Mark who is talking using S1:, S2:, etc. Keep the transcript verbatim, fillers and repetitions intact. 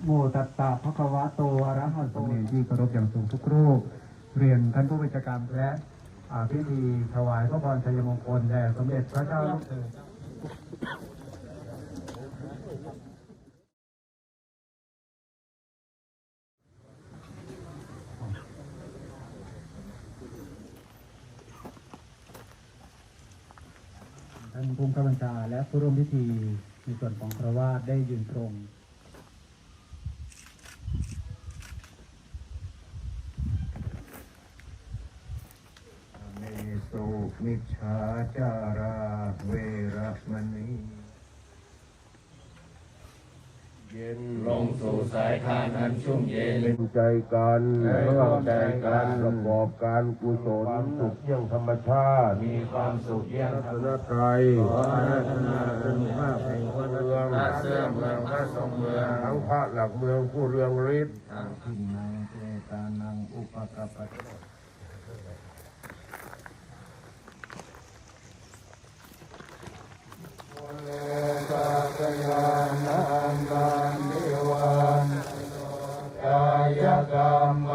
S1: โมตัสสะภะคะวะโตอะระหะโตที่เคารพอย่างสูงทุกรูปเรียนท่านผู้บัญชาการและพิธีถวายพระพรชัยมงคลแด่สมเด็จพระเจ้าลูกเธอท่านผู้บัญชาและผู้ร่วมพิธีในส่วนของคฤหัสถ์ได้ยืนตรง
S2: เมสุมิจฉาจาราเวระมณีเย็นลงสู่สายทานอันชุ่มเย็นเป็นใจกันร่วมใจกันประกอบการกุศลสุขเยี่ยงธรรมชาติมีความสุขเยี่ยงธรรมชาติขออาราธนาคุณภาพแห่งพระเมืองพระเสื่อมเมืองพระทรงเมืองทั้งพระหลักเมืองผู้เรืองฤทธิ์ทางทินังเจตานังอุปกปปเลกัสยานันตันเทวันกายกรรม